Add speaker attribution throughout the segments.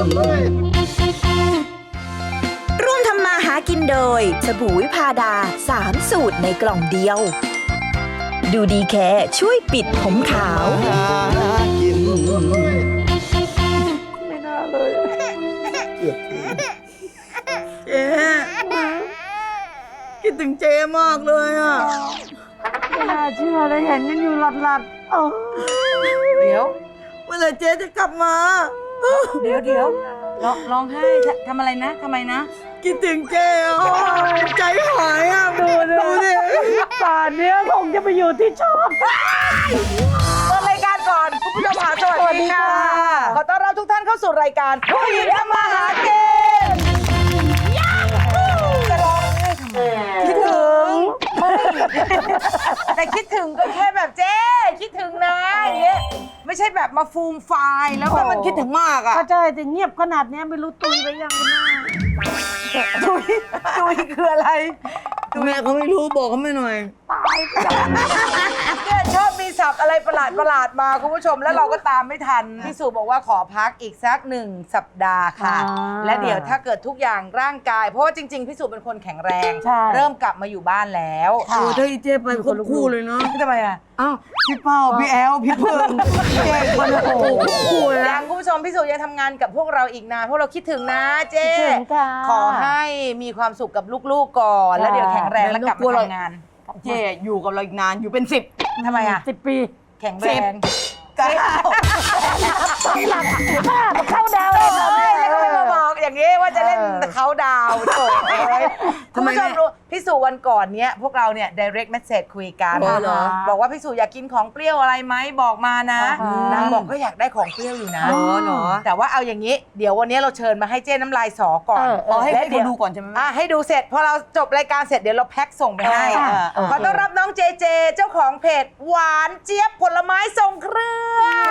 Speaker 1: ร่วมทำมาหากินโดยสบู่วิพาดา3 สูตรในกล่องเดียว ดูดีแค่ช่วยปิดผมขาว
Speaker 2: ไม่น่าเลยเกือบเจ๊คิดถึงเจ๊มากเลยอ่ะไม่น่าเชื่อเลยเห็นกันอยู่หลัดๆเดี๋ยวเมื่อไหร่เจ๊จะกลับมา
Speaker 3: เดี๋ยวร้องไห้ทำอะไรนะทำไมนะ
Speaker 2: คิดถึงเจ๊อ่ะใจหายอ่ะดูดิป่านนี้คงจะไปอยู่ที่ชอบ
Speaker 3: เปิดรายการก่อนคุณผู้ชมค่ะสวัสดีค่ะขอต้อนรับทุกท่านเข้าสู่รายการผู้หญิงทำมาหากินจะร้องไห้ทำไมคิดถึงแต่คิดถึงก็แค่แบบเจ๊คิดถึงนะอย่างเงี้ยไม่ใช่แบบมาฟูมไฟล์แล้วก็มันคิดถึงมากอ่ะ
Speaker 2: ก็ใช่แต่เงียบขนาดนี้ไม่รู้ตุยไปยังคุณแม่
Speaker 3: ตุยคืออะไร
Speaker 2: แม่เขาไม่รู้บอกเขาไม่หน่อย
Speaker 3: ตายเนี่ยชอบมีศัพท์อะไรประหลาดมาคุณผู้ชมแล้วเราก็ตามไม่ทันพี่สุบอกว่าขอพักอีกสัก1 สัปดาห์ค่ะและเดี๋ยวถ้าเกิดทุกอย่างร่างกายเพราะว่าจริงๆพี่สุเป็นคนแข็งแรงเริ่มกลับมาอยู่บ้านแล้ว
Speaker 2: โอ้ถ้าอีเจไปควบคู่เลยเนาะ
Speaker 3: ทำไมอ่ะ
Speaker 2: อ้าวพี่เป้าพี่แอลพี่เพิ่งเจ๊คนละคู่เลย
Speaker 3: ยังคุณผู้ชมพี่สุยังทำงานกับพวกเราอีกนานพวกเราคิดถึงนะเจ๊ขอให้มีความสุขกับลูกๆก่อนแล้วเดี๋ยวแข็งแรงแล้วกลับมาทำงาน
Speaker 2: เจ๊อยู่กับเราอีกนานอยู่เป็น10
Speaker 3: ทำไมอ่ะ
Speaker 2: 10 ปี
Speaker 3: แข็งแรง
Speaker 2: เข้าดาว
Speaker 3: เลยแล้วก็ไม่มาบอกอย่างนี้ว่าจะเล่นเขาดาวโถ่คุณผู้ชมรู้พี่สุวันก่อนเนี้ยพวกเราเนี่ย direct message คุยกันบอกว่าพี่สุอยากกินของเปรี้ยวอะไรไหมบอกมานะนางบอกก็อยากได้ของเปรี้ยวอยู่นะแต่ว่าเอาอย่างนี้เดี๋ยววันนี้เราเชิญมาให้เจ้น้ำลายสอก่อน
Speaker 2: ให้ดูก่อนใช่ไหม
Speaker 3: ให้ดูเสร็จพอเราจบรายการเสร็จเดี๋ยวเราแพ็คส่งไปให้ขอต้อนรับน้องเจเจเจ้าของเพจหวานเจี๊ยบผลไม้ทรงเครื่อง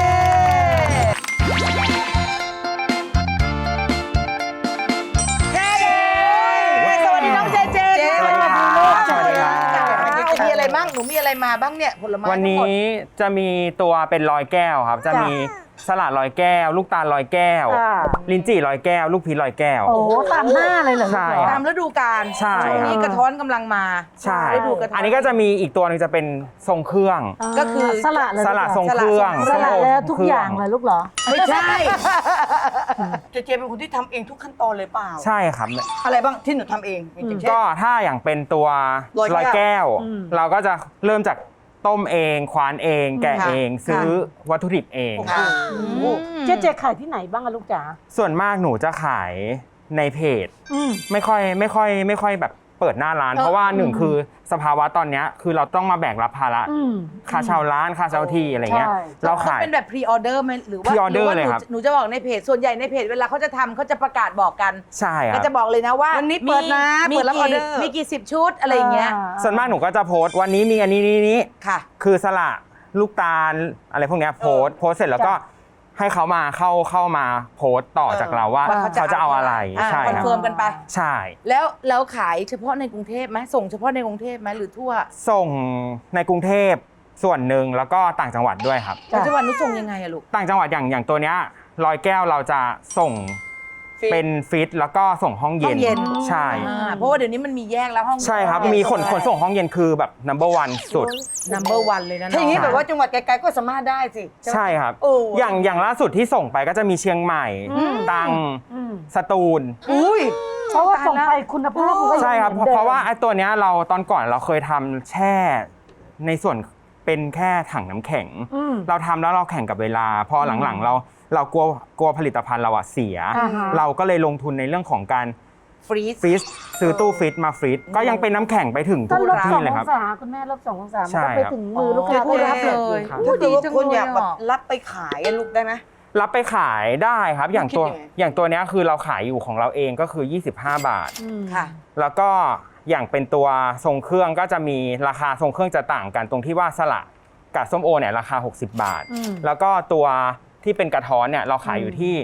Speaker 3: สวัสดีน้องเจเจ
Speaker 4: สวัสดีครับ
Speaker 3: มีอะไรบ้างหนูมีอะไรมาบ้างเนี่ยผลไม้
Speaker 4: วันนี้จะมีตัวเป็นลอยแก้วครับจะมีสลัดลอยแก้วลูกตาลลอยแก้วลิ้นจี่ลอยแก้วลูกพีชลอยแก้ว
Speaker 2: โอ้ตามหน้าเลยเหรอ
Speaker 4: ใช่
Speaker 3: ตามฤดูกาล
Speaker 4: ใช่
Speaker 3: ช่วงนี้กระท้อนกำลังมา
Speaker 4: ใช่อันนี้ก็จะมีอีกตัวนึงจะเป็นทรงเครื่อง
Speaker 3: ก็คือ
Speaker 2: สลัด
Speaker 4: ทรงเครื่อง
Speaker 2: สลัดแล้วทุกอย่างเลยลูกเหรอ
Speaker 3: ไม่ใช่
Speaker 2: เจเป็นคนที่ทำเองทุกขั้นตอนเลยเปล่า
Speaker 4: ใช่ครับ
Speaker 2: อะไรบ้างที่หนูทำเอง
Speaker 4: ก็ถ้าอย่างเป็นตัวลอยแก้วเราก็จะเริ่มจากต้มเองควานเองแกะเองซื้อวัตถุดิบเอง
Speaker 2: เจขายที่ไหนบ้างอะลูกจ๋า
Speaker 4: ส่วนมากหนูจะขายในเพจไม่ค่อยแบบเปิดหน้าร้านเพราะว่าหนึ่งคือสภาวะตอนนี้คือเราต้องมาแบกรับภาระค่าเช่าร้านค่าเช่าที่อะไรเงี้ยเราขาย
Speaker 3: เป็นแบบพรีออเดอร์ไหมหรือว่าหนูจะบอกในเพจส่วนใหญ่ในเพจเวลาเขาจะทำเขาจะประกาศบอกกัน
Speaker 4: ใช่ครับ
Speaker 3: ก็จะบอกเลยนะว่า
Speaker 2: วันนี้เปิดนะ
Speaker 3: มีกี่10 ชุดอะไรอย่างเงี้ย
Speaker 4: ส่วนมากหนูก็จะโพสต์วันนี้มีอันนี้
Speaker 3: ค่ะ
Speaker 4: คือสละลูกตาลอะไรพวกนี้โพสต์เสร็จแล้วก็ให้เขามาเข้ามาโพสต์ต่อจากเราว่าเขาจะเอาอะไรใช่
Speaker 3: คอนเฟิร์มกันไป
Speaker 4: ใช่
Speaker 3: แล้วขายเฉพาะในกรุงเทพไหมส่งเฉพาะในกรุงเทพไหมหรือทั่ว
Speaker 4: ส่งในกรุงเทพส่วนหนึ่งแล้วก็ต่างจังหวัดด้วยครับ
Speaker 3: ต่างจังหวัดนู้นส่งยังไงอะลูก
Speaker 4: ต่างจังหวัดอย่างตัวเนี้ยลอยแก้วเราจะส่งเป็นฟิตแล้วก็ส่งห้องเย็นใช่
Speaker 3: เพราะว่าเดี๋ยวนี้มันมีแยกแล้วห้อง
Speaker 4: ใช่ครับมีขนส่งห้องเย็นคือแบบ number 1 สุด
Speaker 3: number 1เลยนะ
Speaker 2: ถ้าอย่างนี้แบบว่าจังหวัดไกลๆก็สามารถได้สิ
Speaker 4: ใช่ครับอย่างล่าสุดที่ส่งไปก็จะมีเชียงใหม่ตรังสตูล
Speaker 2: เพราะว่าส่งไปคุณภาพ
Speaker 4: ใช่ครับเพราะว่าไอ้ตัวเนี้ยเราตอนก่อนเราเคยทำแช่ในส่วนเป็นแค่ถังน้ำแข็งเราทำแล้วเราแข่งกับเวลาพอหลังๆเรากลัวผลิตภัณฑ์เราเสียเราก็เลยลงทุนในเรื่องของการ
Speaker 3: ฟรีซ
Speaker 4: ซื้อตู้ฟรีซมาฟรีซก็ยังเป็นน้ำแข็งไปถึงทุกที่เลยครับ
Speaker 2: คุณแม่ลบ2 องศามันก็ไปถึงมือลูกค้า
Speaker 3: ผู้รับเลย
Speaker 2: ถ้าเกิดว่าคนอยากแบบรับไปขายลูกได้ไหม
Speaker 4: รับไปขายได้ครับอย่างตัวนี้คือเราขายอยู่ของเราเองก็คือ25 บาท
Speaker 3: ค่ะ
Speaker 4: แล้วก็อย่างเป็นตัวทรงเครื่องก็จะมีราคาทรงเครื่องจะต่างกันตรงที่ว่าสละกับส้มโอเนี่ยราคา60 บาทแล้วก็ตัวที่เป็นกระท้อนเนี่ยเราขายอยู่ที่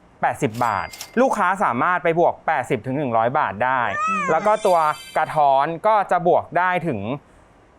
Speaker 4: 80 บาทลูกค้าสามารถไปบวก80 ถึง 100 บาทได้แล้วก็ตัวกระท้อนก็จะบวกได้ถึง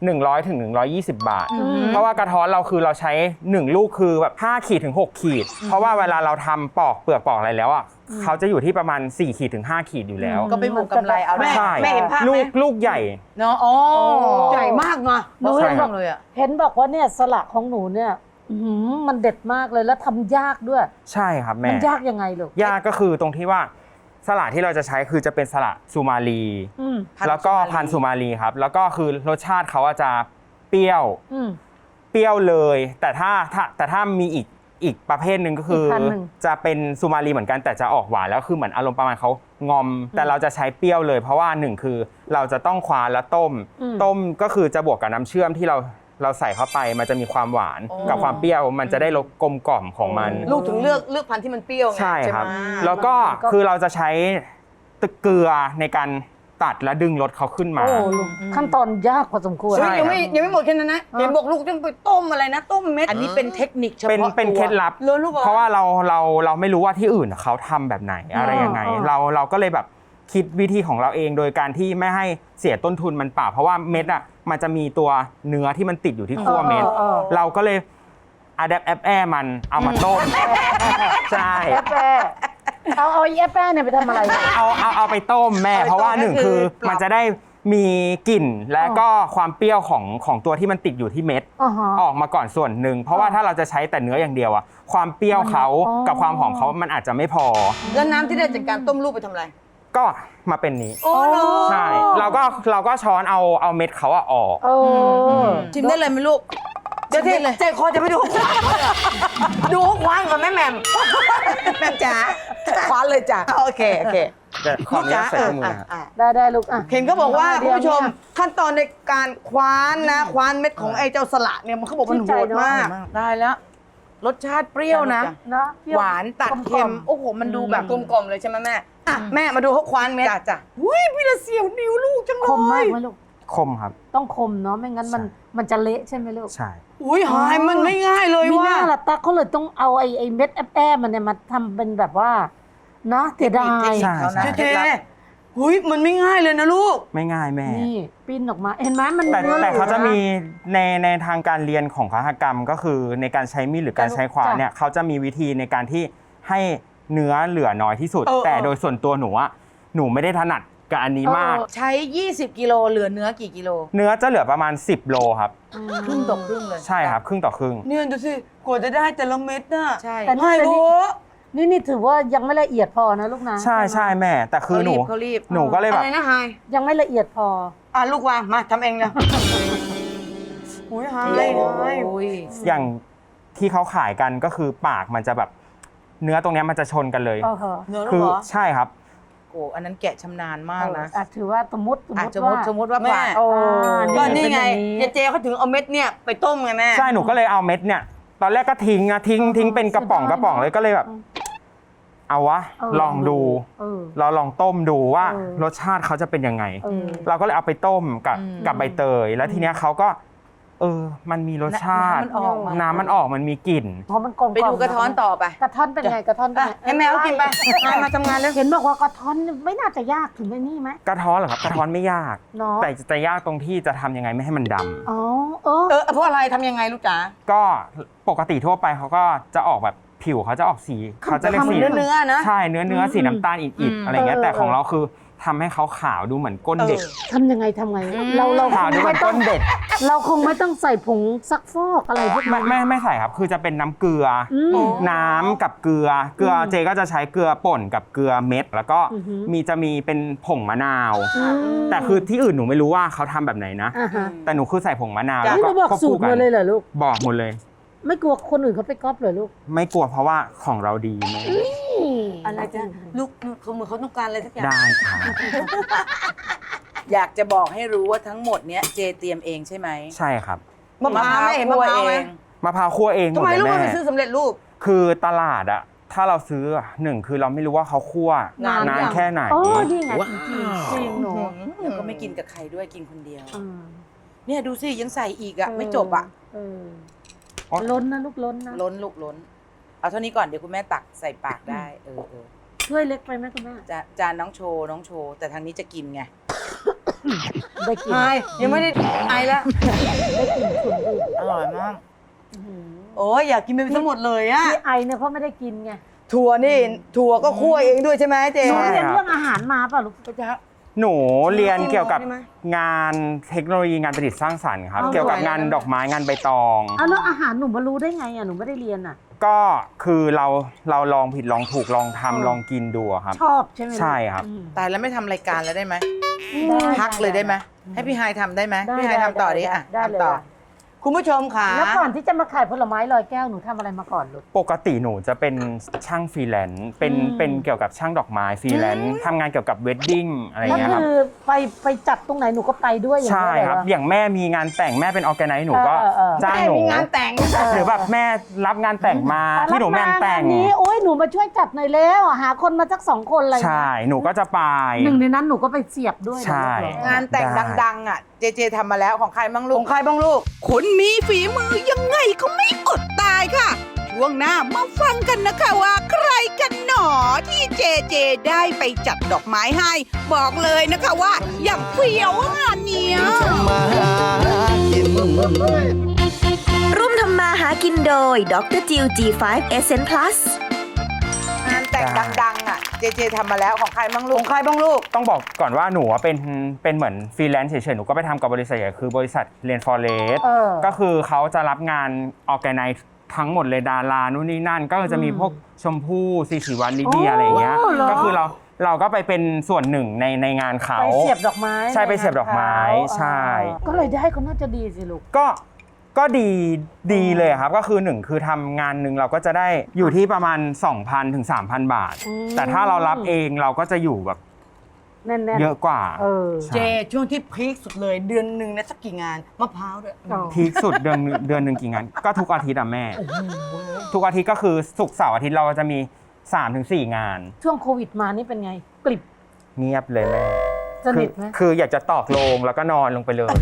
Speaker 4: 100 ถึง 120 บาท เพราะว่ากระท้อนเราคือเราใช้ 1 ลูกคือแบบ5 ขีดถึง 6 ขีด เพราะว่าเวลาเราทำปอกเปลือกปอกอะไรแล้วอ่ะเขาจะอยู่ที่ประมาณ 4 ขีดถึง 5 ขีดอยู่แล้ว
Speaker 3: ก็ไปบวกกำไรเอาได้
Speaker 4: ใช่
Speaker 3: แม่เห็นภาพไหม
Speaker 4: ลูกใหญ่
Speaker 3: เนาะอ๋อ
Speaker 2: ใหญ่มากนะ
Speaker 3: หนู
Speaker 4: ใช่
Speaker 3: เห็น
Speaker 4: ครับ
Speaker 3: เลยอ่ะ
Speaker 5: เห็นบอกว่าเนี่ยสละของหนูเนี่ยมันเด็ดมากเลยแล้วทำยากด้วย
Speaker 4: ใช่ครับแม่
Speaker 5: มันยากยังไงลูก
Speaker 4: ยากก็คือตรงที่ว่าสละที่เราจะใช้คือจะเป็นสละสุมาลี
Speaker 5: อืม
Speaker 4: แล้วก็พันธุ์สุมาลีครับ แล้วก็คือรสชาติเขาจะเปรี้ยว
Speaker 5: อืม
Speaker 4: เปรี้ยวเลย แต่ถ้ามีอีกประเภทหนึ่งก็คือ
Speaker 5: อีกพันธุ์หนึ่ง
Speaker 4: จะเป็นสุมาลีเหมือนกันแต่จะออกหวานแล้วคือเหมือนอารมณ์ประมาณเขางอม แต่เราจะใช้เปรี้ยวเลย เพราะว่าหนึ่งคือเราจะต้องควานแล้วต้ม ต้มก็คือจะบวกกับน้ำเชื่อมที่เราใส่เข้าไปมันจะมีความหวานกับความเปรี้ยวมันจะได้รสกลมกล่อมของมัน
Speaker 2: ลูกถึงเลือกพันธุ์ที่มันเปรี้ยวไง
Speaker 4: ใช่ครับ
Speaker 2: ไหม
Speaker 4: แล้วก็คือเราจะใช้ตะเกลือในการตัดและดึงรสเขาขึ้นมา
Speaker 5: โอ้ลูกขั้นตอนยากพอสมควร
Speaker 4: ใช่
Speaker 2: เฮ้ยยังไม่หมดแค่นั้นนะเห็นบอกลูกต้องไปต้มอะไรนะต้มเม็ด
Speaker 3: อันนี้เป็นเทคนิคเฉ
Speaker 4: เป็น
Speaker 3: พาะ
Speaker 4: เป็น
Speaker 3: ตัว
Speaker 4: เคล็ดลับ
Speaker 2: เลยลูกเหรอ
Speaker 4: เพราะว่าเราไม่รู้ว่าที่อื่นเขาทำแบบไหนอะไรยังไง เราก็เลยแบบคิดวิธีของเราเองโดยการที่ไม่ให้เสียต้นทุนมันเปล่าเพราะว่าเม็ดอ่ะมันจะมีตัวเนื้อที่มันติดอยู่ที่ขั้วเม็ด เราก็เลยอะแดปแอปแอมันเอามาต้มใช่
Speaker 5: แอปแปะเอาไอ้แอปแปะเนี่ยไปทำอะไร
Speaker 4: เอาไปต้มแม่เพราะว่าหนึ่งคือมันจะได้มีกลิ่นและก็ความเปรี้ยวของตัวที่มันติดอยู่ที่เม็ด
Speaker 5: อ๋อฮะ
Speaker 4: ออกมาก่อนส่วนหนึ่งเพราะว่าถ้าเราจะใช้แต่เนื้ออย่างเดียวอะความเปรี้ยวเขา
Speaker 5: อ๋อ
Speaker 4: กับความหอมเขามันอาจจะไม่พอ
Speaker 2: แล้วน้ำที่ได้จากการต้มลูกไปทำอะไร
Speaker 4: ก็มาเป็นนี้
Speaker 2: โอ้โห
Speaker 4: ใช่เราก็ช้อนเอาเม็ดเขาอะออก
Speaker 5: เออ
Speaker 2: ชิมได้เลยไหมลูกเดี๋ยวที่ใจคอจะไม่ดูควานดูควานก่อนแม่แหม่มแม่จ๋าควานเลยจ้ะโอเค
Speaker 4: แต่ขออนุญาตใส่ถุงมือนะครับ
Speaker 5: ได้ลูกอ่ะ
Speaker 2: เห็นเขาบอกว่า
Speaker 5: เดี๋
Speaker 2: คุณ
Speaker 5: ยว
Speaker 2: ผู้ชมขั้นตอนในการคว้านนะคว้านเม็ดของไอ้เจ้าสละเนี่ยมันเขาบอกมันโหดมาก
Speaker 3: ได้แล้ว รสชาติเปรี้ยวนะ
Speaker 5: นะเปรี้ยว
Speaker 3: หวานตัดเค็ม โอ้โห มันดูแบบ
Speaker 2: กลมๆเลยใช่ไหมแม่อ่ะแม่มาดูเขาคว้านเม็ด
Speaker 3: จ้ะ
Speaker 2: อุ้ยพี่ละเสียวนิ้วลูกจังเล
Speaker 5: คมมาก
Speaker 2: ย
Speaker 5: ไหมลูก
Speaker 4: คมครับ
Speaker 5: ต้องคมเนาะไม่งั้นมันจะเละใช่ไหมลูก
Speaker 4: ใช่
Speaker 2: อุ้ยหายมันไม่ง่ายเลย
Speaker 5: มีห
Speaker 2: ว่า
Speaker 5: น้าละตักเขาเลยต้องเอาไอ้เม็ดแอปแป้มันเนี่ยมาทำเป็นแบบว่านะเสียดาย
Speaker 4: ใช่ใช่
Speaker 2: เจ๊หุยมันไม่ง่ายเลยนะลูก
Speaker 4: ไม่ง่ายแม่
Speaker 5: นี่ปิ้นออกมาเห็นไหมมัน
Speaker 4: แต่
Speaker 5: นื้อ
Speaker 4: แต่เขาจะมี
Speaker 5: หลือ
Speaker 4: ในทางการเรียนของคหกรรมก็คือในการใช้มีดหรือการใช้ขวาน
Speaker 5: จ้ะ
Speaker 4: เนี่ยเขาจะมีวิธีในการที่ให้เนื้อเหลือน้อยที่สุด แต่โดยส่วนตัวหนูอะหนูไม่ได้ถนัดกับอันนี้มาก
Speaker 3: ใช้ 20 กิโลเหลือเนื้อกี่กิโล
Speaker 4: เนื้อจะเหลือประมาณ 10 โลครับ
Speaker 3: ครึ่งต่อครึ่งเลย
Speaker 4: ใช่ครับครึ่งต่อครึ่ง
Speaker 2: เนี่ยดูสิกว่าจะได้แต่ละเม็ดน่ะ
Speaker 3: ใช่
Speaker 5: แต่
Speaker 2: ไม่โว้
Speaker 5: นี่ถือว่ายังไม่ละเอียดพอนะลูกนะ
Speaker 4: ใช่ใช่แม่ แต่คือหนู
Speaker 3: เขารีบ
Speaker 4: หนูก็เลย
Speaker 2: อะ
Speaker 4: แบบ
Speaker 2: ไรนะไฮ
Speaker 5: ยังไม่ละเอียดพอ
Speaker 2: ลูกวางมาทำเองเลยอุ้ยไฮ
Speaker 3: โอ้ย
Speaker 4: อย่างที่เขาขายกันก็คือปากมันจะแบบเนื้อตรงเนี้ยมันจะชนกันเลย
Speaker 5: เออเหรอ
Speaker 2: เนื้อลู
Speaker 4: คื
Speaker 2: ก
Speaker 4: อ
Speaker 2: เหรอ
Speaker 4: ใช่ครับ
Speaker 3: โอ้อันนั้นแกะชำนาญมากนะ
Speaker 5: ถือว่าสมมติ
Speaker 3: สมมติว่า
Speaker 2: แม่
Speaker 3: ปาก
Speaker 5: โอ้
Speaker 2: ก็นี่ไง
Speaker 5: เป็อ
Speaker 2: เจ๊เขาถึงเอาเม็ดเนี่ยไปต้มไงแม่
Speaker 4: ใช่หนูก็เลยเอาเม็ดเนี่ยตอนแรกก็ทิ้งเป็นกระป๋องเลยก็เลยแบบ เอาวะ ลองดู
Speaker 5: เออ
Speaker 4: เราลองต้มดูว่า
Speaker 5: เออ
Speaker 4: รสชาติเขาจะเป็นยังไง
Speaker 5: เออ
Speaker 4: เราก็เลยเอาไปต้มกับใบเตย แล้วทีเนี้ยเขาก็ มันมีรสชาติ
Speaker 3: น้ำมันออกมา
Speaker 4: น้ำมันออกมันมีกลิ่น
Speaker 5: เพราะมันกลม
Speaker 3: ไปดูกระท้อนต่อไป
Speaker 5: กระท้อนเป็นไงกระท้อนเป็นไง
Speaker 2: ให้แมวกินไปมาทำงานแล้ว
Speaker 5: เห็นบอกว่ากระท้อนไม่น่าจะยากถึงไอ้นี่ไหม
Speaker 4: กระท้อนเหรอครับกระท้อนไม่ยาก
Speaker 5: เนาะ
Speaker 4: แต่จะยากตรงที่จะทำยังไงไม่ให้มันดำ
Speaker 5: อ๋อ
Speaker 2: เพราะอะไรทำยังไงลูกจ๋า
Speaker 4: ก็ปกติทั่วไปเขาก็จะออกแบบผิวเขาจะออกสีเขาจะเรียกสี
Speaker 2: เนื้อนะ
Speaker 4: ใช่เนื้อสีน้ำตาลอิดๆอะไรเงี้ยแต่ของเราคือทำให้เขาขาวดูเหมือนก้นเด็ก
Speaker 5: ทำยังไงเรา
Speaker 4: ขาวดูเหมือนก้นเด็ก
Speaker 5: เราคงไม่ต้องใส่ผงซักฟอกอะไรพวกนั้น
Speaker 4: ไม่ใส่ครับคือจะเป็นน้ำเกลืออ
Speaker 5: ม
Speaker 4: น้ำกับเกลือเจก็จะใช้เกลือป่นกับเกลือเม็ด แล้วก็
Speaker 5: อือหือ
Speaker 4: จะมีเป็นผงมะนาว
Speaker 5: อืม
Speaker 4: แต่คือที่อื่นหนูไม่รู้ว่าเขาทำแบบไหนนะ
Speaker 5: อ่าฮะ
Speaker 4: แต่หนูคือใส่ผงมะนาว
Speaker 5: นี่
Speaker 4: แล้ว
Speaker 5: เราบอก
Speaker 4: ควบ
Speaker 5: สู
Speaker 4: คู่
Speaker 5: ตร
Speaker 4: กั
Speaker 5: มาเลยเหรอลูก
Speaker 4: บอกหมดเลย
Speaker 5: ไม่กลัวคนอื่นเขาไปก๊อปเหรอลูก
Speaker 4: ไม่กลัวเพราะว่าของเราดีแม่
Speaker 2: อะไรจ้ะลูกเขาเหมือนเขาต้องการอะไรสักอย่าง
Speaker 4: ได้ค่ะ
Speaker 3: อยากจะบอกให้รู้ว่าทั้งหมดเนี้ยเจเตรียมเองใช่ไหม
Speaker 4: ใช่ครับ
Speaker 2: มะพร้าวไม่เห็นมะพร้าวไหม
Speaker 4: มะพร้าวคั่วเองหม
Speaker 2: ทำ
Speaker 4: ด
Speaker 2: ไม
Speaker 4: เลย
Speaker 2: ลูก
Speaker 4: แม่
Speaker 2: ไม่ซื้อสำเร็จรูป
Speaker 4: คือตลาดอะถ้าเราซื้อหนึ่งคือเราไม่รู้ว่าเขาคั่วน
Speaker 5: าน
Speaker 4: นาน
Speaker 5: ยัง
Speaker 4: แค่ไหน
Speaker 5: โอ้นี่ไงจริงหนู
Speaker 3: แล้วก็ไม่กินกับใครด้วยกินคนเดียว
Speaker 5: อืม
Speaker 3: เนี่ยดูสิยังใส่อีกอ่ะ ไม่จบอ่ะ
Speaker 5: เออล้นนะลูกล้นนะ
Speaker 3: ล้นลูกล้น เอาเท่านี้ก่อนเดี๋ยวคุณแม่ตักใส่ปากได้ เออ
Speaker 5: ช่วยเล็กไปไหมคุณแม่
Speaker 3: จานน้องโชว์ แต่ทางนี้จะกินไง
Speaker 5: ได้กลิ่น
Speaker 2: ไอยังไม่ได้ไอแล้ว
Speaker 5: ได้กลิ่นฉุนอีก
Speaker 2: อร่อยมากโอ้ยอยากกินไปทั้งหมดเลยอะ
Speaker 5: ที่ไอเนี่ยเพราะไม่ได้กินไง
Speaker 2: ถั่วนี่ถั่วก็คั่วเองด้วยใช่ไหมเจ๊
Speaker 5: หนู
Speaker 4: ใช่
Speaker 5: เรียน
Speaker 4: ครับ
Speaker 5: เรื่องอาหารมาป่ะลูก
Speaker 4: หนูเรียนเกี่ยวกับ
Speaker 2: ใช่ไหม
Speaker 4: งานเทคโนโลยีงานประดิษฐ์สร้างสรรค์ครับ
Speaker 5: เอา
Speaker 4: เกี่ยวกับงานดอกไม้งานใบตอง
Speaker 5: เอาแล้วอาหารหนูมารู้ได้ไงอ่ะหนูไม่ได้เรียนอ่ะ
Speaker 4: ก็คือเราลองผิดลองถูกลองทำลองกินดูอะครับ
Speaker 5: ชอบใช่ไหมลูก
Speaker 4: ใช่ครับ
Speaker 5: อืม
Speaker 3: ตายแล้วไม่ทำรายการแล้วได้ไหม
Speaker 5: ได้
Speaker 3: พักเลยได้ไหมให้พี่ไฮายทำได้ไหม
Speaker 5: ได้
Speaker 3: พี่ไฮายทำต่อดิ
Speaker 5: ได้
Speaker 3: อ่ะ
Speaker 5: ได้เลย
Speaker 3: ทำต่อ
Speaker 5: อะ
Speaker 2: คุณผู้ชมค่ะ
Speaker 5: แล้วก่อนที่จะมาขายผลไม้ลอยแก้วหนูทำอะไรมาก่อนลูก
Speaker 4: ปกติหนูจะเป็นช่างฟรีแลนซ์เป็นเกี่ยวกับช่างดอกไม้ฟรีแลนซ์ทำงานเกี่ยวกับเวดดิ้งอะไร
Speaker 5: แล้ว
Speaker 4: เงี้ยครับ
Speaker 5: คือไปจัดตรงไหนหนูก็ไปด้วยอย่าง
Speaker 4: ใช่
Speaker 5: นี้เลย
Speaker 4: ครับ
Speaker 5: เหรอ
Speaker 4: อย่างแม่มีงานแต่งแม่เป็นออร์แกไนซ์หนูก็
Speaker 5: เออ
Speaker 4: จ้างหนู
Speaker 2: มีงานแต่ง
Speaker 4: หรือแบบแม่รับงานแต่งมาที่หนูแม่งแต่ง
Speaker 5: รับมางานนี้โอ้ยหนูมาช่วยจัดหน่อยแล้วหาคนมาสัก2 คนอะไรอย่าง
Speaker 4: ใช่
Speaker 5: เงี้ย
Speaker 4: หนูก็จะไป
Speaker 5: หนึ่งในนั้นหนูก็ไปเสียบด้วยนะ
Speaker 4: ใช่
Speaker 5: ลูกเหรอง
Speaker 3: านแต่ง
Speaker 4: ได้
Speaker 3: ดังๆอ่ะเจเจทำมาแล้วของใครบ้างลู
Speaker 2: ข
Speaker 3: ก
Speaker 2: องใครบ้างลูก
Speaker 6: คนมีฝีมือยังไงก็ไม่อดตายค่ะ ช่วงหน้ามาฟังกันนะคะว่าใครกันหนอที่เจเจได้ไปจัดดอกไม้ให้ บอกเลยนะคะว่าอย่างเฟี้ยวงานเนี้ย
Speaker 1: ร่วมทำมาหากินโดยดรจิว G5 Essence Plus
Speaker 3: งานแต่งดังๆอ่ะเจเจทำมาแล้วของใครบ้างลู
Speaker 2: ข
Speaker 3: ก
Speaker 2: องใครบ้างลูก
Speaker 4: ต้องบอกก่อนว่าหนูอะเป็นเหมือนฟรีแลนซ์เฉยๆ หนูก็ไปทำกับบริษัทใหญ่คือบริษัทเรียนฟอเรส
Speaker 5: เออ
Speaker 4: ก็คือเขาจะรับงานออแกไนซ์ทั้งหมดเลยดารานู่นนี่นั่น ก็จะมีพวกชมพู่ซีสีวันลิเดียอะไรอย่างเงี้ย
Speaker 5: โอ้เหรอ
Speaker 4: ก็คือเราก็ไปเป็นส่วนหนึ่งในงานเขา
Speaker 5: ไปเสียบดอกไม้
Speaker 4: ใช่ไปเสียบดอกไม้
Speaker 5: ในงานเขา
Speaker 4: ใช่
Speaker 5: ก็เลยได้ก็น่าจะดีสิลูก
Speaker 4: ก็ดีเลยครับ ก็คือหนึ่งคือทำงานหนึ่งเราก็จะได้อยู่ที่ประมาณ 2,000 ถึง 3,000 บาท
Speaker 5: อืม
Speaker 4: แต่ถ้าเรารับเองเราก็จะอยู่แบบ
Speaker 5: แน่นๆ
Speaker 4: เยอะกว่า
Speaker 5: เออ
Speaker 4: ใช่
Speaker 2: เจช่วงที่พีคสุดเลยเดือนหนึ่งนะสักกี่งานมะพร้าวด้วย
Speaker 5: อ๋อ
Speaker 4: พีคสุดเดือนหนึ่งกี่งาน ก็ทุกอาทิตย์อะแม่ ทุกอาทิตย์ก็คือศุกร์เสาร์อาทิตย์เราจะมี 3-4 งาน
Speaker 5: ช่วงโควิดมานี่เป็นไง กลิบ
Speaker 4: เงียบเลยแม่
Speaker 5: สนิทไหม
Speaker 4: คืออยากจะตอกโลงแล้วก็นอนลงไปเลย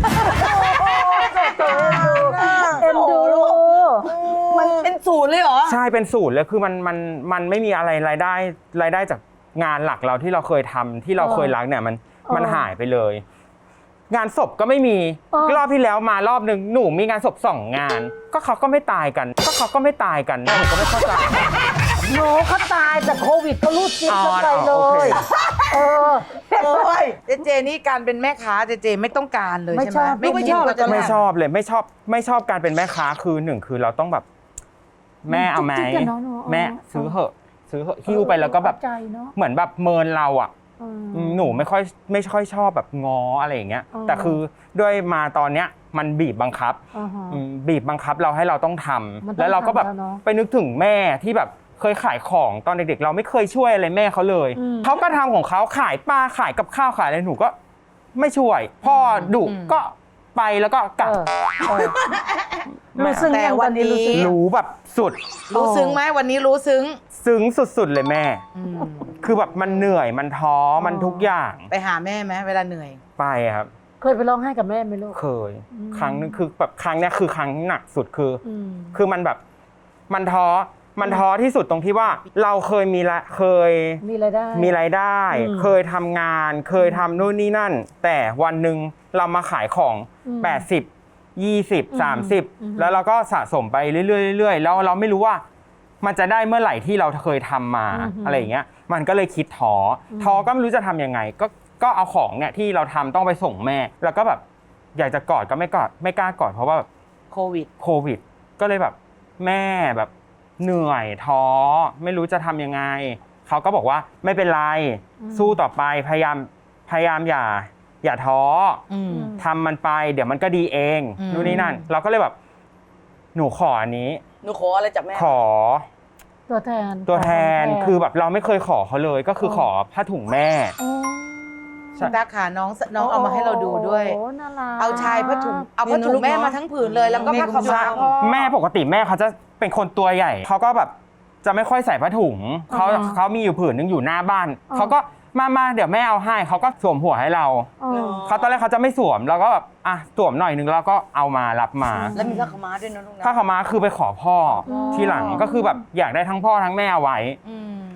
Speaker 5: เอ็นดู
Speaker 2: มันเป็นสูตรเลยเหรอ
Speaker 4: ใช่เป็นสูตรเลยคือมันไม่มีอะไรรายได้จากงานหลักเราที่เราเคยทำที่เราเคยรักเนี่ยมันหายไปเลย งานศพก็ไม่มีรอบที่แล้วมารอบหนึ่งหนูมีงานศพ2 งาน ก็เขาก็ไม่ตายกันหนูก็ไม่เข้าใจ
Speaker 5: หนูเขาตายแต่โควิดก็รูดจิ๊บเข้าไปเล
Speaker 4: โอเค
Speaker 5: ย เออ
Speaker 3: โอ้ยเจเจนี่การเป็นแม่ค้าเจเจไม่ต้องการเลย
Speaker 5: ไม่
Speaker 3: ใช่ไหม
Speaker 5: ชอบ
Speaker 2: ไม่ชอบ
Speaker 3: ก็จะ
Speaker 4: ไม่ชอบเลยไม่ชอบการเป็นแม่ค้าคือหนึ่งคือเราต้องแบบ แม่เอาไหม
Speaker 5: จุกจิกอะเนาะหนู
Speaker 4: แม่ซื้อเหอะหิ้วไปแล้วก็แบบ
Speaker 5: เข้าใจเนาะ
Speaker 4: เหมือนแบบเมินเราอ่ะ หนูไม่ค่อยชอบแบบง้ออะไรอย่างเงี้ย
Speaker 5: อ๋อ
Speaker 4: แต่คือด้วยมาตอนเนี้ยมันบีบบังคับ
Speaker 5: อ่าฮะ
Speaker 4: บีบบังคับเราให้เราต้องทำ
Speaker 5: มันต้อง
Speaker 4: แล้วเราก็แบบ
Speaker 5: ทำแล้วเนอะ
Speaker 4: ไปนึกถึงแม่ที่แบบเคยขายของตอนเด็กๆ เราไม่เคยช่วยอะไรแม่เขาเลย
Speaker 5: อืม
Speaker 4: เขาก็ทำของเขาขายปลาขายกับข้าวขายอะไรหนูก็ไม่ช่วย พ่อดุก็ไปแล้วก็กลับ
Speaker 5: รู้ซึ้งยังวันนี้รู้ซึ้งยัง
Speaker 4: รู้แบบสุด
Speaker 3: รู้ซึ้งไหมวันนี้รู้ซึ้ง
Speaker 4: ซึ้งสุดๆเลยแม่ คือแบบมันเหนื่อยมันท้อมันทุกอย่าง
Speaker 3: ไปหาแม่ไหมเวลาเหนื่อย
Speaker 4: ไปครับ
Speaker 5: เคยไปร้องไห้กับแม่ไหมลูก
Speaker 4: เคย ครั้งนึงคือแบบครั้งเนี้ยคือครั้งหนักสุดคืออ
Speaker 5: ม
Speaker 4: คือมันแบบมันท้อที่สุดตรงที่ว่าเราเคยมี
Speaker 5: มีรายได้
Speaker 4: รายได้
Speaker 5: อืม
Speaker 4: เคยทำงานเคยทำนู่นนี่นั่น แต่วันหนึ่งเรามาขายของ
Speaker 5: อืม
Speaker 4: 80 20 30 แล้วเราก็สะสมไปเรื่อยๆแล้วเราไม่รู้ว่ามันจะได้เมื่อไหร่ที่เราเคยทำมาอะไรอย่างเงี้ยมันก็เลยคิดท้อก็ไม่รู้จะทำยังไงก็เอาของเนี่ยที่เราทำต้องไปส่งแม่ แล้วก็แบบอยากจะกอดก็ไม่กล้ากอดเพราะว่าแบบ
Speaker 3: โควิด
Speaker 4: ก็เลยแบบแม่แบบเหนื่อยท้อไม่รู้จะทำยังไงเขาก็บอกว่าไม่เป็นไรสู้ต่อไปพยายามอย่าท้ออทำมันไปเดี๋ยวมันก็ดีเองนู่นนี่นั่น เราก็เลยแบบหนูขออันนี้
Speaker 2: หนูขออะไรจากแม่
Speaker 4: ขอ
Speaker 5: ตัวแทน
Speaker 4: คือแบบเราไม่เคยขอเขาเลย ก็คือขอผ้าถุงแม่
Speaker 5: อ๋อ
Speaker 4: ใช่
Speaker 3: ตาขาน้องเอามาให้เราดูด้วย
Speaker 5: โอ้น่ารัก
Speaker 3: เอาชายผ้าถุงเอาผ้าถุงแม่มาทั้งผืนเลยแล้วก็ผ้าขาวม้าพ่อ
Speaker 4: แม่ปกติแม่เขาจะเป็นคนตัวใหญ่เขาก็แบบจะไม่ค่อยใส่ผ้าถุงเขามีอยู่ผืนนึงอยู่หน้าบ้านเขาก็มาเดี๋ยวแม่เอาให้เขาก็สวมหัวให้เรา
Speaker 5: อ๋อ
Speaker 4: เขาตอนแรกเขาจะไม่สวมเราก็แบบอ่ะสวมหน่อยนึงแล้วก็เอามารับมา
Speaker 2: แล้วมีผ้าขาวม้าด้วยนะลูกนะ
Speaker 4: ถ้าเขามาคือไปขอพ่ออ
Speaker 5: อ
Speaker 4: ทีหลังก็คือแบบอยากได้ทั้งพ่อทั้งแม่เอาไว้
Speaker 3: อืม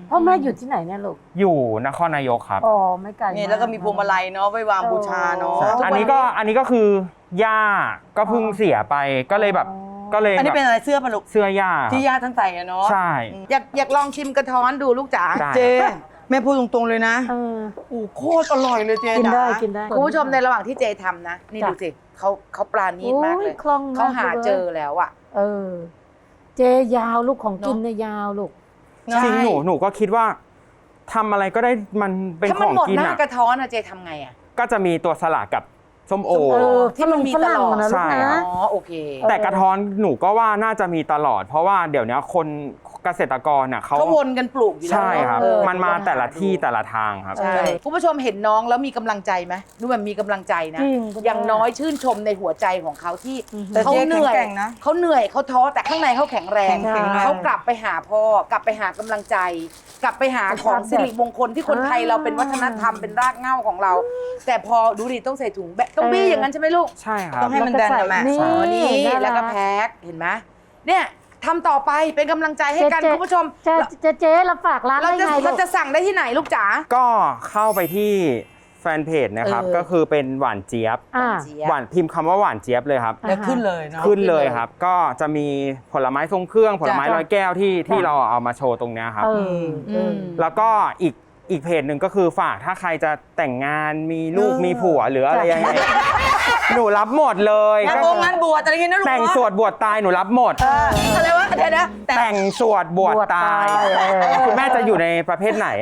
Speaker 5: พ่อแม่อยู่ที่ไหนเนี่ยลูก
Speaker 4: อยู่นครนายกครับ
Speaker 5: อ๋อไม่ไกล
Speaker 2: นี่แล้วก็มีพวงมาลัยเนาะไว้วางบูชาเนาะ
Speaker 4: ใช่อันนี้ก็คือย่าก็เพิ่งเสียไปก็เลยแบบก็เลย
Speaker 2: อันนี้เป็นอะไรเสื้อปะลูก
Speaker 4: เสื้อย่า
Speaker 2: ที่ย่าท่านใส่อะเนาะ
Speaker 4: ใช่
Speaker 3: อยากลองชิมกระท้อนดูลูกจ๋า
Speaker 4: ได้
Speaker 2: เจแม่พูดตรงๆเลยนะ
Speaker 5: เออ
Speaker 2: โอ้โคตรอร่อยเลยเจ
Speaker 5: กินได้
Speaker 2: จ๋า
Speaker 5: กินได้
Speaker 3: คุณผู้ชมในระหว่างที่เจทำนะ นี่
Speaker 5: จ้ะ
Speaker 3: ดูสิเขาปราณีตมากเลย
Speaker 5: โอ้ยคล่องมาก
Speaker 3: เขาหา
Speaker 5: เลย
Speaker 3: เจอแล้วอ่ะ
Speaker 5: เออ เจยาวลูกของกินเนี่ยยาวลูก
Speaker 4: จริงหนูก็คิดว่าทำอะไรก็ได้มันเป็น
Speaker 3: ถ้า
Speaker 4: ข
Speaker 3: มัน
Speaker 4: อง
Speaker 3: หมด
Speaker 4: กิน
Speaker 3: หน้า
Speaker 4: อ่ะ
Speaker 3: กระท้อนอะเจทำไงอะ
Speaker 4: ก็จะมีตัวสลัดกับส้มโอ
Speaker 5: เออ
Speaker 3: ที่มันมีตลอด
Speaker 5: ฝรั่งนะลู
Speaker 4: ใช่
Speaker 5: ก
Speaker 4: ครั
Speaker 5: นะ
Speaker 4: บ
Speaker 3: อ๋อโอเค
Speaker 4: แต่กระท้อนหนูก็ว่าน่าจะมีตลอด เพราะว่าเดี๋ยวนี้คนเกษตรกรน่ะเขา
Speaker 3: เขาวนกันปลูกอยู่แล้ว
Speaker 4: ใช่ครับ
Speaker 3: เออ
Speaker 4: มันมาแต่ละที่แต่ละทางครับ
Speaker 3: ใช่คุณผู้ชมเห็นน้องแล้วมีกำลังใจไหมดูแบบมีกำลังใจนะ
Speaker 5: จริง
Speaker 3: อย่างน้อยชื่นชมในหัวใจของเขาที่
Speaker 2: แต่
Speaker 3: เขา
Speaker 2: เจ๊
Speaker 3: เหนื่อย
Speaker 2: แข็งแกร่งนะ
Speaker 3: เขาเหนื่อยเขาท้อแต่ข้างในเขาแข็งแรง
Speaker 2: แข็งแรง
Speaker 3: เขากลับไปหาพ่อกลับไปหากำลังใจ กลับไปหาของสิริมงคลที่คนไทยเราเป็นวัฒนธรรมเป็นรากเหง้าของเรา แต่พอดูดิต้องใส่ถุงแบบต้องบี้อย่างนั้นใช่ไหมลูก
Speaker 4: ใช่ครับ
Speaker 2: ต้องให้มันแดนนะแม่
Speaker 5: นี่
Speaker 3: อ๋อนี่
Speaker 5: น่ารัก
Speaker 3: แล้วก็แพ็คเห็นไหมเนี่ยทำต่อไปเป็นกำลังใจให้กัน
Speaker 5: เจ๊
Speaker 3: คุณผู้ชม
Speaker 5: เจ๊เราฝากร้าน
Speaker 3: เรา
Speaker 5: ได้
Speaker 3: จะ
Speaker 5: ไงลู
Speaker 3: เรา
Speaker 5: ก
Speaker 3: จะสั่งได้ที่ไหนลูกจ๋า
Speaker 4: ก็เข้าไปที่แฟนเพจนะครับ
Speaker 3: เออ
Speaker 4: ก็คือเป็นหวานเจี๊ยบ
Speaker 5: อ่า
Speaker 4: หวานพิมพ์คำว่าหวานเจี๊ยบเลยครับ
Speaker 2: แล้วขึ้นเลยเนาะ
Speaker 4: ขึ้นเลยครับ ก็จะมีผลไม้ทรงเครื่องผลไม้
Speaker 5: จ้ะ
Speaker 4: ร้อยแก้วที่
Speaker 5: จ้ะ
Speaker 4: เราเอามาโชว์ตรงเนี้ยครับ
Speaker 5: เออเออ
Speaker 4: แล้วก็อีกเพจหนึ่งก็คือฝากถ้าใครจะแต่งงานมีลูกมีผัวหรืออะไรยังไงหนูรับหมดเลย
Speaker 2: งาน
Speaker 4: ก็
Speaker 2: งานบวชอะไรอย่างเงี้ยนะลูก
Speaker 4: แต่งสวดบวชตายหนูรับหมด
Speaker 2: อะไรวะเดี๋ยวนะแต่
Speaker 4: แต่งสวดบวชตาย
Speaker 5: บวชตาย
Speaker 4: คุณแม่จะอยู่ในประเภทไหน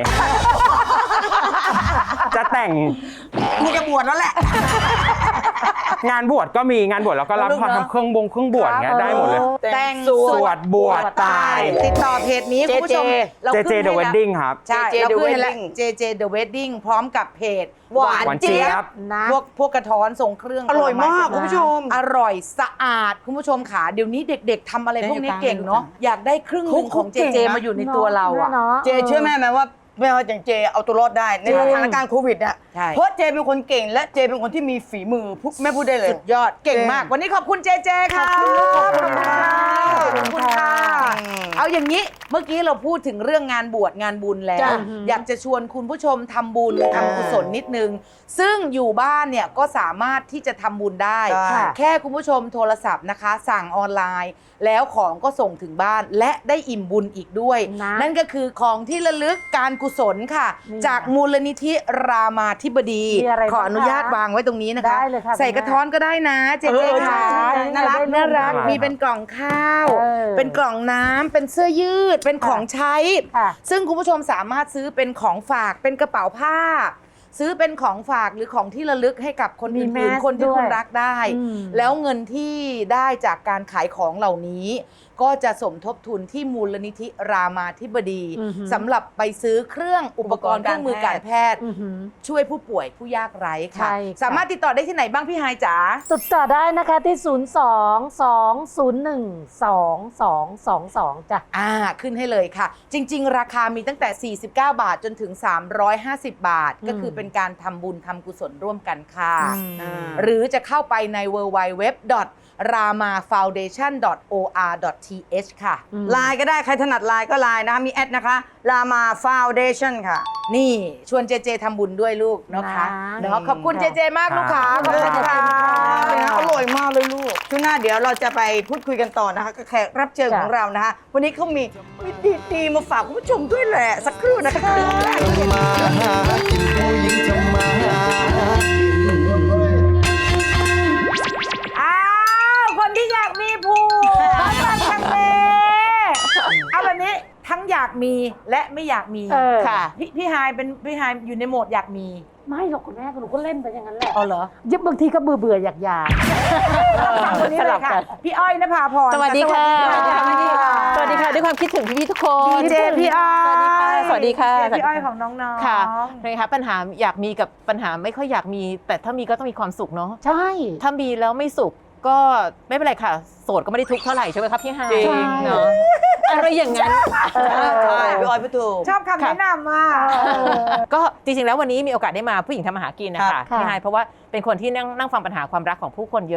Speaker 4: จะแต่ง
Speaker 2: กูจะบวชแล้วแหละ
Speaker 4: งานบวชก็มีงานบวชแล้วก็รับ
Speaker 2: ลูก
Speaker 4: พอ
Speaker 2: เนอะ
Speaker 4: ทำเครื่องบวชเงี้ยได้หมดเลย
Speaker 3: แต่ง
Speaker 4: สวดบวชตาย
Speaker 3: ติดต่อเพจนี้คุณผู้ชมเรา
Speaker 4: เจ
Speaker 3: ขึ้น
Speaker 4: เจ
Speaker 3: ให้
Speaker 4: เดอะเวดดิ้งครับ
Speaker 3: ใช่
Speaker 2: JJ
Speaker 3: เรา
Speaker 2: The
Speaker 3: ขึ้นให้แล้ว
Speaker 2: Wedding
Speaker 3: JJ The Wedding พร้อมกับเพจ
Speaker 2: หวานเจี๊ยบ
Speaker 5: นะ
Speaker 3: พวกกระท้อนทรงเครื่อง
Speaker 2: อร่อยมาก
Speaker 3: ผล
Speaker 2: คุณ
Speaker 3: ไ
Speaker 2: ผู้ชม
Speaker 3: อร่อยสะอาดคุณผู้ชมขาเดี๋ยวนี้เด็กๆทำอะไรพวกนี้เก่งเนาะอยากได้ครึ่งหนึ่งของ
Speaker 2: เขาเก่ง
Speaker 3: JJ
Speaker 2: นะ
Speaker 3: มาอยู่ในตัวเราอะ
Speaker 2: เจเชื่อแม่ไหมว่าแม่ว่าอย่างเจเอาตัวรอดได้ในสถานการณ์โควิดอ่ะ
Speaker 3: ใช่
Speaker 2: เพราะเจเป็นคนเก่งและเจเป็นคนที่มีฝีมือแม่พูดได้เลย
Speaker 3: สุดยอดเก่งมาก วันนี้ขอบคุณเจเจค่ะ
Speaker 2: ขอบคุณ
Speaker 3: ขอบคุณค่ะขอบคุณค่ะ
Speaker 2: อืม
Speaker 3: เอาอย่างนี้เมื่อกี้เราพูดถึงเรื่องงานบวชงานบุญแล้ว
Speaker 2: จ้ะ
Speaker 3: อยากจะชวนคุณผู้ชมทำบุญทำกุศลนิดนึง ซึ่งอยู่บ้านเนี่ยก็สามารถที่จะทำบุญได้
Speaker 2: ค่ะ
Speaker 3: แค่คุณผู้ชมโทรศัพท์นะคะ สั่งออนไลน์ แล้วของก็ส่งถึงบ้านและได้อิ่มบุญอีกด้วย
Speaker 5: นะ
Speaker 3: นั่นก็คือของที่ระลึกการกุศลค่ะ
Speaker 5: นี่
Speaker 3: จากมูลนิธิรามาธิบดี
Speaker 5: มีอะไรบ้าง
Speaker 3: ขออนุญาต
Speaker 5: คะ
Speaker 3: วางไว้ตรงนี้นะคะ
Speaker 5: ได้เลยค่ะ
Speaker 3: ใส่กระท้อนก็ได้นะเจ๊
Speaker 2: เออ
Speaker 3: ค่ะ
Speaker 2: ใช่ใช่
Speaker 3: น่ารัก
Speaker 5: ได้ลูก
Speaker 3: น่ารัก
Speaker 4: น่ารัก
Speaker 3: มีเป็นกล่องข้าว
Speaker 5: เออ
Speaker 3: เป็นกล่องน้ำเป็นเสื้อยืด เป็นของใช้
Speaker 5: ค่ะ
Speaker 3: ซึ่งคุณผู้ชมสามารถซื้อเป็นของฝากเป็นกระเป๋าผ้า ซื้อเป็นของฝากหรือของที่ระลึกให้กับคน
Speaker 5: มี
Speaker 3: อื่น
Speaker 5: แมส
Speaker 3: ๆคนที่
Speaker 5: ด้วย
Speaker 3: คุณรักได้
Speaker 5: อืม
Speaker 3: แล้วเงินที่ได้จากการขายของเหล่านี้ ก็จะสมทบทุนที่มูลนิธิรามาธิบดี
Speaker 5: อือหือ
Speaker 3: สำหรับไปซื้อเครื่องอุปกรณ์เครื่องมือการแพทย์
Speaker 5: อื้อหือ
Speaker 3: ช่วยผู้ป่วยผู้ยากไร้ค่ะ
Speaker 5: ใช่ค่ะ
Speaker 3: สามารถติดต่อได้ที่ไหนบ้างพี่ไฮายจ๋า
Speaker 5: ติดต่อได้นะคะที่ 02-201-2222 จ้ะ
Speaker 3: ขึ้นให้เลยค่ะ จริง ๆ ราคามีตั้งแต่ 49 บาทจนถึง 350 บาท ก็คือเป็นการทำบุญทำกุศลร่วมกันค่ะ หรือจะเข้าไปใน www.ramafoundation.or.th ค่ะ
Speaker 2: ไลน์ก็ได้ใครถนัดไลน์ก็ไลน์นะคะมีแอดนะคะรามาฟาวเดชั่นค่ะ
Speaker 3: นี่ชวนเจเจทำบุญด้วยลูกนะคะ
Speaker 5: นะ
Speaker 3: เนาะขอบคุณเจเจมากลูกค้าขอบคุณค่ะ
Speaker 2: อร่อยมากเลยลูกช่วงหน้าเดี๋ยวเราจะไปพูดคุยกันต่อนะคะกับแขกรับเชิญของเรานะคะ วันนี้เขามีดีๆมาฝากคุณผู้ชมด้วยแหละ สักครู่นะคะ
Speaker 7: มาหากินผู้หญิงทำมาหากิน
Speaker 3: อ้าวคนที่อยากมีผัวจังเลยเอาแบบนี้ทั้งอยากมีและไม่อยากมี
Speaker 5: เออ
Speaker 3: ค่ะพี่ฮายเป็นพี่ฮายอยู่ในโหมดอยากมี
Speaker 5: ไม่หรอกคุณแม่หนูก็เล่นไปอย่างนั้นแหละ
Speaker 3: อ๋อเหรอ
Speaker 5: ยึบบางทีก็เบื่ออยาก
Speaker 3: ฟังคนนี้เลยค่ะ พี่อ้อยนภาพร
Speaker 8: สวัสดีค่ะ
Speaker 3: สวัสดีค่ะ
Speaker 8: สวัสดีค่ะ ด้วยความคิดถึงพี่ๆทุกคน
Speaker 3: ดีเจพี่อ้อย
Speaker 8: สวัสดีค่ะ
Speaker 3: ดีเจพี่อ้อยของน้องๆ
Speaker 8: ค่ะนะคะปัญหาอยากมีกับปัญหาไม่ค่อยอยากมี แต่ถ้ามีก็ต้องมีความสุขเนาะ
Speaker 5: ใช่
Speaker 8: ถ้ามีแล้วไม่สุขก็ไม่เป็นไรค่ะ โสดก็ไม่ได้ทุกข์เท่าไหร่ใช่ไหมครับพี่ฮาย
Speaker 2: จริง
Speaker 8: เนาะอะไรอย่างนั้น
Speaker 2: ใช่พี่ออยพี่ถูก
Speaker 3: ชอบคำแนะนำอ่ะ
Speaker 8: ก็จริงๆแล้ววันนี้มีโอกาสได้มาผู้หญิงทำมาหากินนะคะ
Speaker 5: ค่ะ
Speaker 8: พี่ฮายเพราะว่าเป็นคนที่นั่งฟังปัญหาความรักของผู้คนเยอะ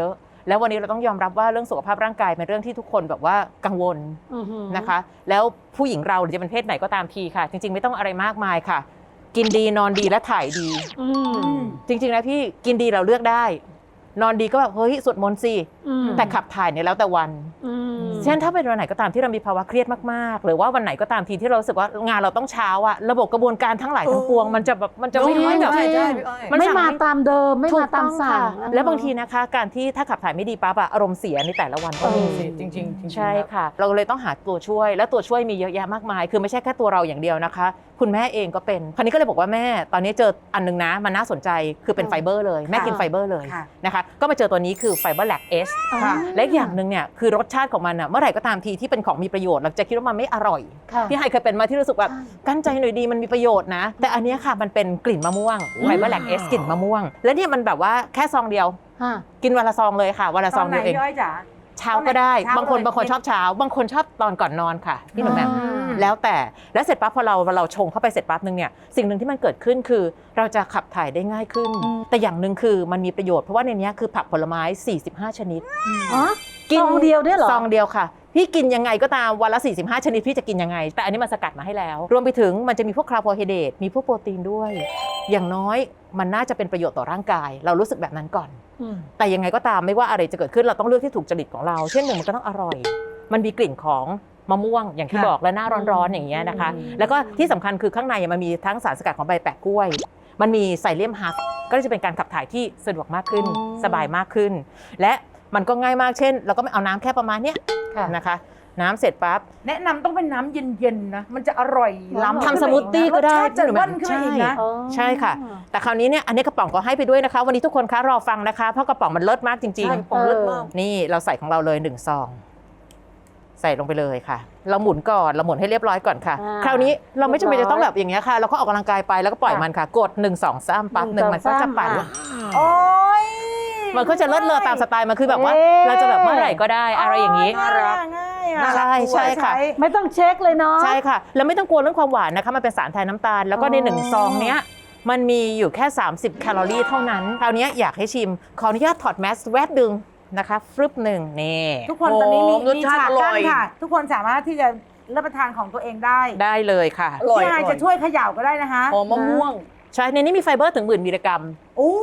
Speaker 8: แล้ววันนี้เราต้องยอมรับว่าเรื่องสุขภาพร่างกายเป็นเรื่องที่ทุกคนแบบว่ากังวลนะคะ แล้วผู้หญิงเราหรือจะเป็นเพศไหนก็ตามทีค่ะ จริงๆไม่ต้องอะไรมากมายค่ะ กินดีนอนดีและถ่ายดีจริงๆนะพี่กินดีเราเลือกได้ นอนดีก็แบบเฮ้ยสวดมนต์สิแต่ขับถ่ายเนี่ยแล้วแต่วันเช่นถ้าเป็นวันไหนก็ตามที่เรามีภาวะเครียดมากๆหรือว่าวันไหนก็ตามทีที่เรารู้สึกว่างานเราต้องเช้าอะระบบกระบวนการทั้งหลายทั้งปวงมันจะแบบมันจะไม่ค่อยแบบ
Speaker 2: ใช่พี่อ้อย
Speaker 5: ไม่มาตามเดิมไม่มาตามสั่ง
Speaker 8: แล้วบางทีนะคะการที่ถ้าขับถ่ายไม่ดีปั๊บอะอารมณ์เสียในแต่ละวันก็มี
Speaker 2: จริงๆ
Speaker 8: ใช่ค่ะ เราเลยต้องหาตัวช่วยและตัวช่วยมีเยอะแยะมากมาย คือไม่ใช่แค่ตัวเราอย่างเดียวนะคะ คุณแม่เองก็เป็นคราวนี้ก็เลยบอกว่าแม่ตอนนี้เจออันนึงนะมันน่าสนใจคือเป็นไฟเบอร์เลยแม่กินไฟเบอร์เลยนะคะก็มาเจอตัวนี้คือไฟเบอร์แลคเอสและอีกอย่างหนึ่งเนี่ยคือรสชาติของมันอะเมื่อไหร่ก็ตามทีที่เป็นของมีประโยชน์เราจะคิดว่ามันไม่อร่อยพี่ไฮเคยเป็นมาที่รู้สึกแบบกั้นใจหน่อยดีมันมีประโยชน์นะแต่อันเนี้ยค่ะมันเป็นกลิ่นมะม่วงไฟเบอร์แลคเอสกลิ่นมะม่วงและเนี่ยมันแบบว่าแค่ซองเดียวกินวันละซองเลยค่ะวันละซองเดียวเองเช้าก็ได้บางคนชอบเช้าบางคนชอบตอนก่อนนอนค่ะพี่หนุ่มแหม่มแล้วแต่แล้วเสร็จปั๊บพอเราชงเข้าไปเสร็จปั๊บนึงเนี่ยสิ่งหนึ่งที่มันเกิดขึ้นคือเราจะขับถ่ายได้ง่ายขึ้นแต่อย่างหนึ่งคือมันมีประโยชน์เพราะว่าในนี้คือผักผลไม้45ชนิด
Speaker 5: กินเดียวได้เหรอ
Speaker 8: ซองเดียวค่ะพี่กินยังไงก็ตามวันละ45ชนิดพี่จะกินยังไงแต่อันนี้มันสกัดมาให้แล้วรวมไปถึงมันจะมีพวกคาร์โบไฮเดรตมีพวกโปรตีนด้วยอย่างน้อยมันน่าจะเป็นประโยชน์ต่อร่างกายเรารู้สึกแบบนั้นก่อนแต่ยังไงก็ตามไม่ว่าอะไรจะเกิดขึ้นเราต้องเลือกที่ถูกจริตของเราเช่นหนึ่งมันก็ต้องอร่อยมันมีกลิ่นของมะม่วงอย่างที่บอกและหน้าร้อนๆอย่างเงี้ยนะคะแล้วก็ที่สำคัญคือข้างในมันมีทั้งสารสกัดของใบแปะกล้วยมันมีไซเลียมฮัสก็จะเป็นการขับถ่ายที่สะดวกมากขึ้นสบายมากขึ้นและมันก็ง่ายมากเช่นเราก็ไม่เอาน้ำแค่ประมาณเนี้ยนะคะน้ำเสร็จปั๊บ
Speaker 3: แนะนำต้องเป็นน้ำเย็นๆนะมันจะอร่อยล้ำ
Speaker 8: ทำสมูทตี้ก็ได้
Speaker 3: จะว่นขึ้นมาอีกนะ
Speaker 8: ใช่ค่ะแต่คราวนี้เนี่ยอันนี้กระป๋องก็ให้ไปด้วยนะคะวันนี้ทุกคนคะรอฟังนะคะเพราะกระป๋องมันเลิศมากจริงๆนี่เราใส่ของเราเลย1ซองใส่ลงไปเลยค่ะเราหมุนก่อนเราหมุนให้เรียบร้อยก่อนค่ะคราวนี้เราไม่จำเป็นจะต้องแบบอย่างเงี้ยค่ะเราก็ออกกำลังกายไปแล้วก็ปล่อยมันค่ะกด1 2 3ปั๊บ1มันก็จะปั่น
Speaker 3: โอ้ย
Speaker 8: มันก็จะเลิศเลอตามสไตล์มันคือแบบว่าเราจะแบบเมื่อไหร่ก็ได้อะไรอย่างนี้ใช่ใช่ค่ะ
Speaker 5: ไม่ต้องเช็คเลยเนาะ
Speaker 8: ใช่ค่ะแล้วไม่ต้องกลัวเรื่องความหวานนะคะมันเป็นสารแทนน้ำตาลแล้วก็ใน1ซองเนี้ยมันมีอยู่แค่30แคลอรี่เท่านั้นคราวนี้อยากให้ชิมขออนุญาตถอดแมสแวบดึงนะคะฟรึบหนึ่งนี่
Speaker 3: ทุกคนตอนนี้มีฉากกั้นค่ะทุกคนสามารถที่จะรับประทานของตัวเองได้
Speaker 8: เลยค่ะ
Speaker 3: พี่ไฮจะช่วยเขย่าก็ได้นะคะ
Speaker 2: มะม่วง
Speaker 8: ใช่ในนี้มีไฟเบอร์ถึง10,000 มิลลิกรัม
Speaker 3: โอ้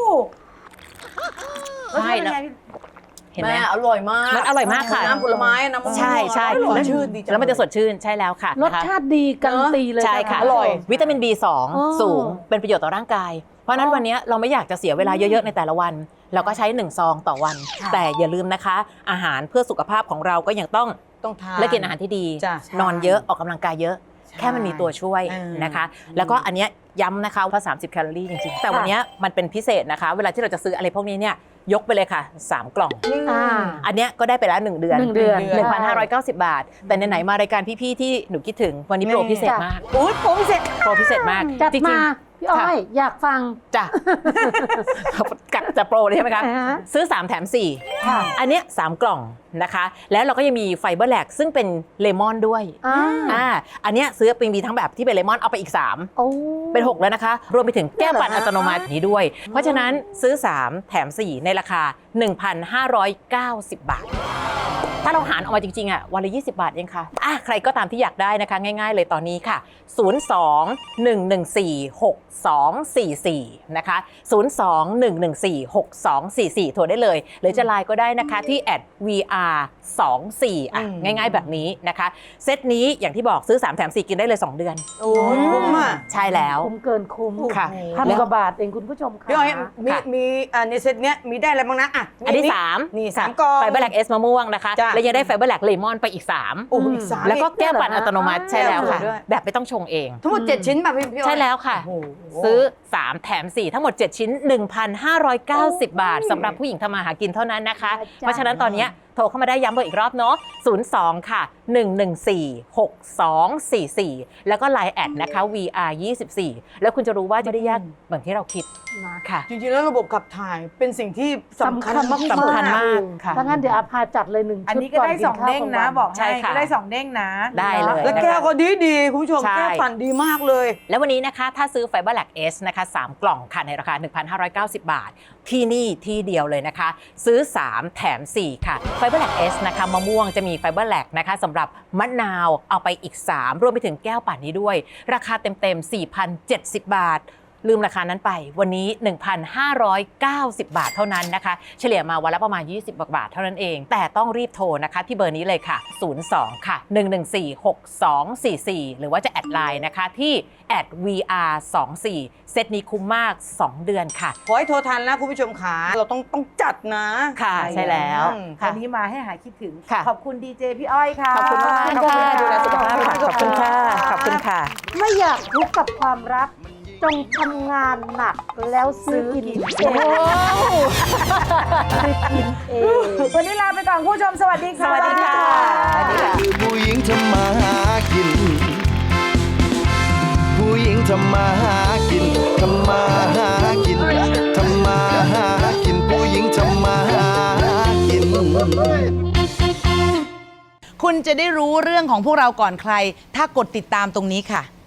Speaker 8: ใช่แล้วเห็นไหม
Speaker 2: อร่อยมาก
Speaker 8: มันอร่อยมากค่ะ
Speaker 2: น้ำผลไม้น้ำมะม่วง
Speaker 8: ใช่ใช่
Speaker 2: แล้วชื่นดีจัง
Speaker 8: แล้วมันจะสดชื่นใช่แล้วค่ะ
Speaker 5: รสชาติดีการันตีเลย
Speaker 8: ใช่ค่ะอร่อยวิตามิน B2 สูงเป็นประโยชน์ต่อร่างกายเพราะนั้นวันนี้เราไม่อยากจะเสียเวลาเยอะๆในแต่ละวันเราก็ใช้1ซองต่อวันแต่อย่าลืมนะคะอาหารเพื่อสุขภาพของเราก็ยังต้อง
Speaker 2: ทาน
Speaker 8: และกินอาหารที่ดีนอนเยอะออกกำลังกายเยอะแค่มันมีตัวช่วยนะคะแล้วก็อันเนี้ยย้ำนะคะว่า30แคลอรี่จริงๆแต่วันนี้มันเป็นพิเศษนะคะเวลาที่เราจะซื้ออะไรพวกนี้เนี่ยยกไปเลยค่ะ3กล่องอันเนี้ยก็ได้ไปแล้ว1 เดือน 1,590 บาทแต่ไหนๆมารายการพี่ๆที่หนูคิดถึงวันนี้โปรพิเศษมาก
Speaker 2: โอ้ยโปรพิเศษ
Speaker 8: มาก
Speaker 5: จัดมาพี่อ้อยอยากฟัง
Speaker 8: จ้ะกับจะโปรเลยใช่ไหมคะซื้อ3แถม4อันเนี้ย3กล่องนะคะแล้วเราก็ยังมีไฟเบอร์แลกซึ่งเป็นเลมอนด้วยอันเนี้ยซื้อเป็นมีทั้งแบบที่เป็นเลมอนเอาไปอีก3เป็น6แล้วนะคะรวมไปถึงแก้วปั่นอัตโนมัตินี้ด้วยเพราะฉะนั้นซื้อ3แถม4ในราคา 1,590 บาทถ้าเราหารออกมาจริงๆอ่ะวันละ20 บาทเองค่ะใครก็ตามที่อยากได้นะคะง่ายๆเลยตอนนี้ค่ะ02-114-6244นะคะ02-114-6244โทรได้เลยหรือจะไลน์ก็ได้นะคะที่ @VR24 ง่ายๆแบบนี้นะคะเซตนี้อย่างที่บอกซื้อ3แถม4กินได้เลย2 เดือน
Speaker 2: โอ้คุ้มอ่ะ
Speaker 8: ใช่แล้ว
Speaker 5: คุ้มเกินคุ้ม
Speaker 8: ค่ะ
Speaker 5: 1,000 กว่าบาทเองคุณผู้ชมค่ะ
Speaker 2: พี่อ้อยมีในเซตเนี้ยมีได้อะไรบ้างนะ
Speaker 8: อันที่3
Speaker 2: นี่3กล่อง
Speaker 8: ไฟเบอร์แลคเอสมะม่วงนะคะแล้วยังได้ไฟเบอร์แลคเลมอนไปอีก3
Speaker 2: อีก3
Speaker 8: แล้วก็แก้วปั่นอัตโนมัติใช่แล้วค่ะแบบไม่ต้องชงเอง
Speaker 2: ทั้งหมด7ชิ้นป่ะพี่อ้อย
Speaker 8: ใช่แล้วค่ะซื้อ3แถม4ทั้งหมด7ชิ้น 1,590 บาทสำหรับผู้หญิงทำมาหากินเท่านั้นนะคะเพราะฉะนั้นตอนนี้โทรเข้ามาได้ย้ำเบอร์อีกรอบเนาะ02ค่ะ114-6244แล้วก็ LINE แอดนะคะ VR24 แล้วคุณจะรู้ว่าจะได้ยากเหมือนที่เราคิด
Speaker 5: นะ
Speaker 8: ค่ะ
Speaker 2: จริงๆแล้วระบบขับถ่ายเป็นสิ่งที่สำคัญมาก
Speaker 8: สำคัญมากค่ะ
Speaker 5: ถ้างั้นเดี๋ยวอาพาจัดเลย1
Speaker 3: อัน
Speaker 5: ชุด
Speaker 3: นี้ก็ได้
Speaker 5: น
Speaker 3: 2 เด้งนะ บอก
Speaker 8: ใช่
Speaker 3: ให้
Speaker 8: ค่ะ
Speaker 3: ก็ได้2 เด้งนะ
Speaker 8: ได้เลย
Speaker 2: แล้วแก้วก็ดีๆคุณผู้ชม
Speaker 8: ใช่
Speaker 2: แก้วปั่นดีมากเลย
Speaker 8: แล้ววันนี้นะคะถ้าซื้อ Fiber Lac S นะคะ3 กล่องค่ะในราคา 1,590 บาท ที่นี่ที่เดียวเลยนะคะ ซื้อ 3 แถม 4 ค่ะ Fiber Lac S นะคะมะม่วงจะมี Fiber Lac นะคะสำหรับมะนาวเอาไปอีก 3 รวมไปถึงแก้วปั่นนี้ด้วย ราคาเต็มๆ 4,070 บาท ลืมราคานั้นไปวันนี้ 1,590 บาทเท่านั้นนะคะ เฉลี่ยมาวันละประมาณ 20 บาทเท่านั้นเอง แต่ต้องรีบโทรนะคะที่เบอร์นี้เลยค่ะ 02 ค่ะ 1146244 หรือว่าจะแอดไลน์นะคะที่ @VR24 เซตนี้คุ้มมาก 2 เดือนค่ะ
Speaker 2: ขอให้โทรทันนะคุณผู้ชมขาเราต้องจัดนะ
Speaker 8: ค่ะใช่แล้ว
Speaker 3: วันนี้มาให้หายคิดถึง
Speaker 8: ค่ะ
Speaker 3: ขอบคุณดีเจพี่อ้อยค่ะ
Speaker 8: ขอบคุณมากๆค่ะดูแลสุขภาพค่ะขอบคุณค่ะขอบคุณค่ะ
Speaker 5: ไม่อยากทุกข์กับความรัก จงทำงานหนักแล้วซื้อกินเองซื้อกินเอง
Speaker 3: วันนี้ลาไปก่อนคุณผู้ชมสวัสดีค่ะ
Speaker 8: สวัสดีค่ะสวัสดีค่ะ
Speaker 7: คือผู้หญิงทำมาหากิน ผู้หญิงทำมาหากินทำมาหากินทำมาหากินผู้หญิงทำมาหากิน
Speaker 3: คุณจะได้รู้เรื่องของพวกเราก่อนใคร ถ้ากดติดตามตรงนี้ค่ะ